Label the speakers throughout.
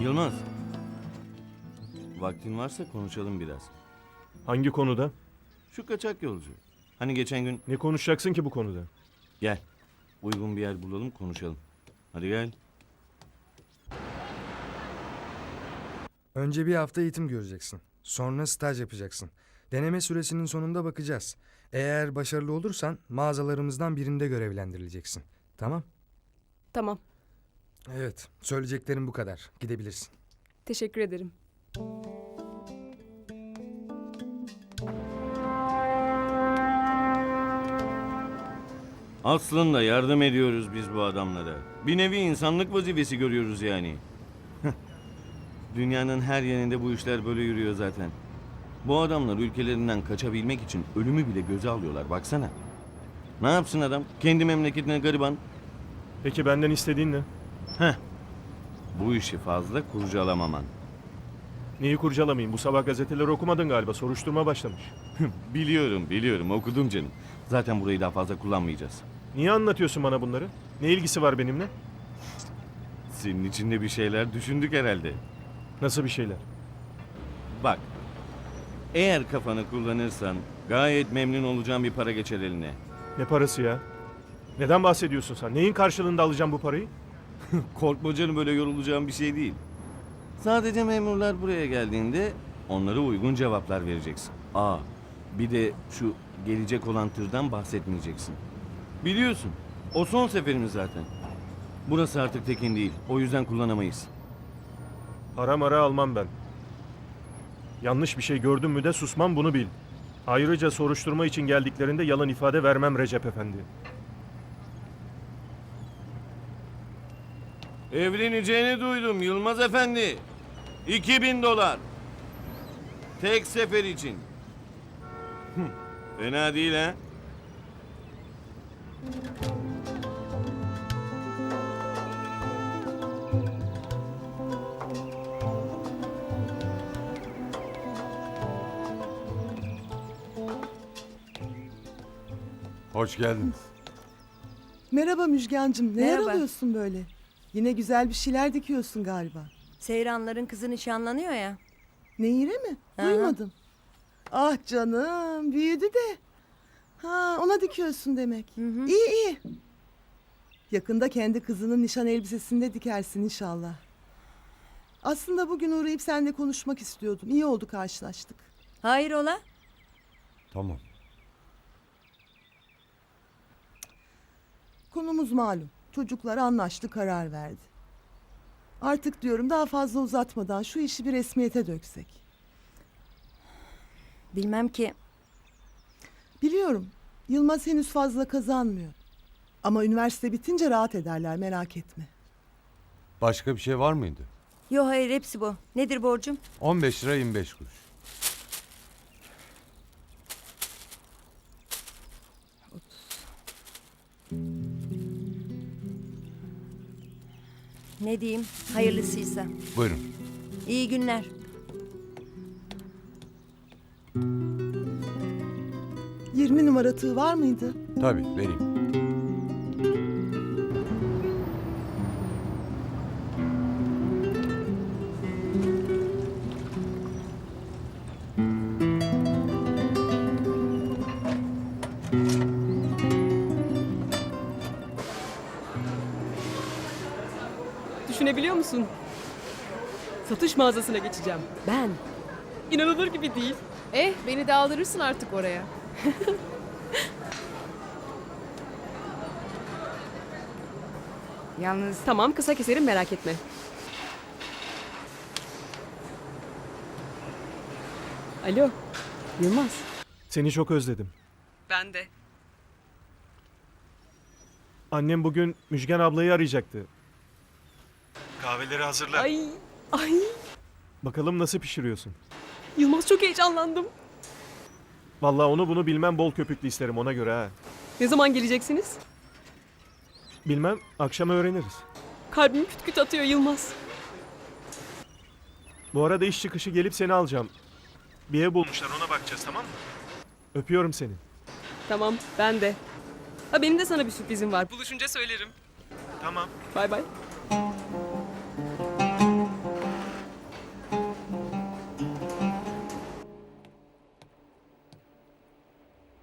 Speaker 1: Yılmaz. Vaktin varsa konuşalım biraz.
Speaker 2: Hangi konuda?
Speaker 1: Şu kaçak yolcu. Hani geçen gün
Speaker 2: Ne konuşacaksın ki bu konuda?
Speaker 1: gel. Uygun bir yer bulalım konuşalım. Hadi gel.
Speaker 3: Önce bir hafta eğitim göreceksin. Sonra staj yapacaksın. Deneme süresinin sonunda bakacağız. Eğer başarılı olursan mağazalarımızdan birinde görevlendirileceksin. Tamam?
Speaker 4: Tamam.
Speaker 3: Evet, söyleyeceklerim bu kadar. Gidebilirsin.
Speaker 4: Teşekkür ederim.
Speaker 1: Aslında yardım ediyoruz biz bu adamlara. Bir nevi insanlık vazifesi görüyoruz yani. Dünyanın her yerinde bu işler böyle yürüyor zaten. Bu adamlar ülkelerinden kaçabilmek için ölümü bile göze alıyorlar baksana. Ne yapsın adam? Kendi memleketine gariban.
Speaker 2: Peki benden istediğin ne?
Speaker 1: Bu işi fazla kurcalamaman.
Speaker 2: Neyi kurcalamayayım? Bu sabah gazeteleri okumadın galiba. Soruşturma başlamış.
Speaker 1: Biliyorum okudum canım. Zaten burayı daha fazla kullanmayacağız.
Speaker 2: Niye anlatıyorsun bana bunları? Ne ilgisi var benimle?
Speaker 1: Senin içinde bir şeyler düşündük herhalde.
Speaker 2: Nasıl bir şeyler?
Speaker 1: Bak, eğer kafanı kullanırsan gayet memnun olacağım bir para geçer eline.
Speaker 2: Ne parası ya? Neden bahsediyorsun sen? Neyin karşılığında alacağım bu parayı?
Speaker 1: Korkma canım, böyle yorulacağım bir şey değil. Sadece memurlar buraya geldiğinde onlara uygun cevaplar vereceksin. Bir de şu gelecek olan tırdan bahsetmeyeceksin. Biliyorsun, o son seferimiz zaten. Burası artık tekin değil, o yüzden kullanamayız.
Speaker 2: Para mara almam ben. Yanlış bir şey gördüm mü de susmam, bunu bil. Ayrıca soruşturma için geldiklerinde yalan ifade vermem Recep Efendi.
Speaker 1: Evleneceğini duydum Yılmaz Efendi. $2000. Tek sefer için. Fena değil ha?
Speaker 5: Hoş geldiniz.
Speaker 6: Merhaba Müjgancığım. Neler
Speaker 7: Merhaba.
Speaker 6: alıyorsun böyle? Yine güzel bir şeyler dikiyorsun galiba.
Speaker 7: Seyranların kızı nişanlanıyor ya.
Speaker 6: Nehire mi?
Speaker 7: Hı hı.
Speaker 6: Duymadım. Ah canım, büyüdü de. Ha, ona dikiyorsun demek. İyi iyi. Yakında kendi kızının nişan elbisesini de dikersin inşallah. Aslında bugün uğrayıp seninle konuşmak istiyordum. İyi oldu karşılaştık.
Speaker 7: Hayrola?
Speaker 5: Tamam.
Speaker 6: Konumuz malum. Çocuklar anlaştı, karar verdi. Artık diyorum daha fazla uzatmadan şu işi bir resmiyete döksek.
Speaker 7: Bilmem ki.
Speaker 6: Biliyorum. Yılmaz henüz fazla kazanmıyor. Ama üniversite bitince rahat ederler, merak etme.
Speaker 5: Başka bir şey var mıydı?
Speaker 7: Yo hayır, hepsi bu. Nedir borcum?
Speaker 5: 15 lira 25 kuruş.
Speaker 7: Ne diyeyim? Hayırlısıysa.
Speaker 5: Buyurun.
Speaker 7: İyi günler.
Speaker 6: ...20 numara tığ var mıydı?
Speaker 5: Tabii vereyim.
Speaker 4: Düşünebiliyor musun? Satış mağazasına geçeceğim. Ben. İnanılır gibi değil.
Speaker 8: Beni de aldırırsın artık oraya.
Speaker 4: Yalnız... Tamam, kısa keserim, merak etme. Alo, Yılmaz.
Speaker 2: Seni çok özledim.
Speaker 4: Ben de.
Speaker 2: Annem bugün Müjgan ablayı arayacaktı. Kahveleri hazırla.
Speaker 4: Ay,
Speaker 2: Bakalım nasıl pişiriyorsun.
Speaker 4: Yılmaz, çok heyecanlandım.
Speaker 2: Vallahi onu bunu bilmem, bol köpüklü isterim ona göre ha.
Speaker 4: Ne zaman geleceksiniz?
Speaker 2: Bilmem, akşam öğreniriz.
Speaker 4: Kalbim küt küt atıyor Yılmaz.
Speaker 2: Bu arada iş çıkışı gelip seni alacağım. Bir ev bulmuşlar, ona bakacağız, tamam mı? Öpüyorum seni.
Speaker 4: Tamam, ben de. Ha, benim de sana bir sürprizim var. Buluşunca söylerim.
Speaker 2: Tamam.
Speaker 4: Bay bay.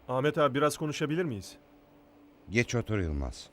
Speaker 2: Ahmet abi biraz konuşabilir miyiz?
Speaker 9: Geç otur Yılmaz.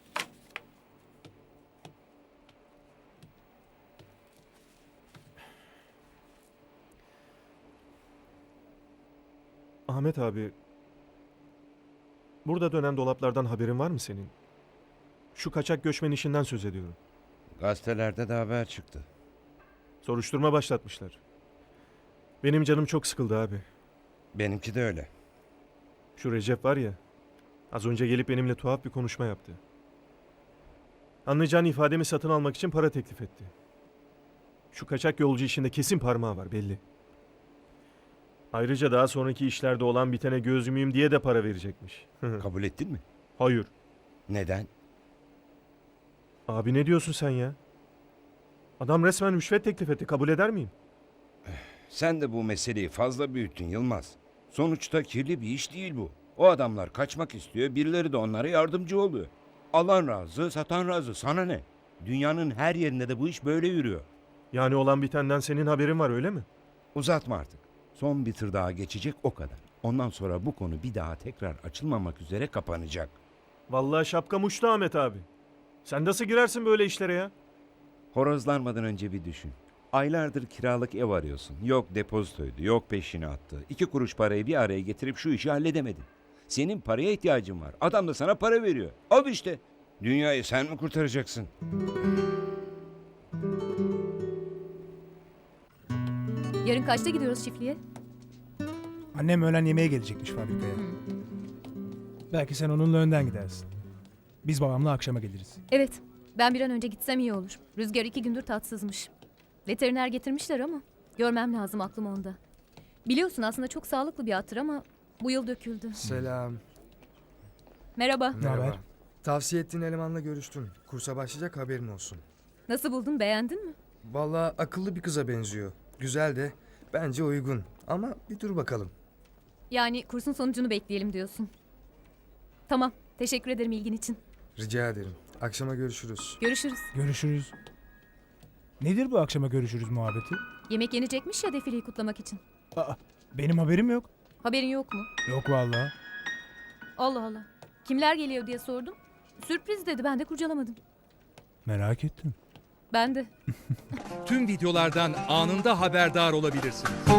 Speaker 2: Ahmet abi, burada dönen dolaplardan haberin var mı senin? Şu kaçak göçmen işinden söz ediyorum.
Speaker 9: Gazetelerde de haber çıktı.
Speaker 2: Soruşturma başlatmışlar. Benim canım çok sıkıldı abi.
Speaker 9: Benimki de öyle.
Speaker 2: Şu Recep var ya, az önce gelip benimle tuhaf bir konuşma yaptı. Anlayacağın ifademi satın almak için para teklif etti. Şu kaçak yolcu işinde kesin parmağı var belli. Ayrıca daha sonraki işlerde olan bitene göz yumayım diye de para verecekmiş.
Speaker 9: Kabul ettin mi?
Speaker 2: Hayır.
Speaker 9: Neden?
Speaker 2: Abi ne diyorsun sen ya? Adam resmen rüşvet teklif etti. Kabul eder miyim?
Speaker 9: Sen de bu meseleyi fazla büyüttün Yılmaz. Sonuçta kirli bir iş değil bu. O adamlar kaçmak istiyor, birileri de onlara yardımcı oluyor. Alan razı, satan razı. Sana ne? Dünyanın her yerinde de bu iş böyle yürüyor.
Speaker 2: Yani olan bitenden senin haberin var öyle mi?
Speaker 9: Uzatma artık. Son bir tır daha geçecek o kadar. Ondan sonra bu konu bir daha tekrar açılmamak üzere kapanacak.
Speaker 2: Vallahi şapkam uçtu Ahmet abi. Sen nasıl girersin böyle işlere ya?
Speaker 9: Horozlanmadan önce bir düşün. Aylardır kiralık ev arıyorsun. Yok depozitoydu, yok peşini attı. 2 kuruş parayı bir araya getirip şu işi halledemedin. Senin paraya ihtiyacın var. Adam da sana para veriyor. Al işte. Dünyayı sen mi kurtaracaksın?
Speaker 10: Yarın kaçta gidiyoruz çiftliğe?
Speaker 11: Annem öğlen yemeğe gelecekmiş fabrikaya. Belki sen onunla önden gidersin. Biz babamla akşama geliriz.
Speaker 10: Evet. Ben bir an önce gitsem iyi olur. Rüzgar 2 gündür tatsızmış. Veteriner getirmişler ama görmem lazım, aklım onda. Biliyorsun aslında çok sağlıklı bir attır ama bu yıl döküldü.
Speaker 3: Selam.
Speaker 10: Merhaba.
Speaker 11: haber?
Speaker 3: Tavsiye ettiğin elemanla görüştüm. Kursa başlayacak, haberin olsun.
Speaker 10: Nasıl buldun, beğendin mi?
Speaker 3: Vallahi akıllı bir kıza benziyor. Güzel de bence uygun. Ama bir dur bakalım.
Speaker 10: Yani kursun sonucunu bekleyelim diyorsun. Tamam. Teşekkür ederim ilgin için.
Speaker 3: Rica ederim. Akşama görüşürüz.
Speaker 10: Görüşürüz.
Speaker 11: Görüşürüz. Nedir bu akşama görüşürüz muhabbeti?
Speaker 10: Yemek yenecekmiş ya defileyi kutlamak için.
Speaker 11: Aa, benim haberim yok.
Speaker 10: Haberin yok mu?
Speaker 11: Yok vallahi.
Speaker 10: Allah Allah. Kimler geliyor diye sordum. Sürpriz dedi, ben de kurcalamadım.
Speaker 11: Merak ettim.
Speaker 10: Ben de.
Speaker 12: Tüm videolardan anında haberdar olabilirsiniz.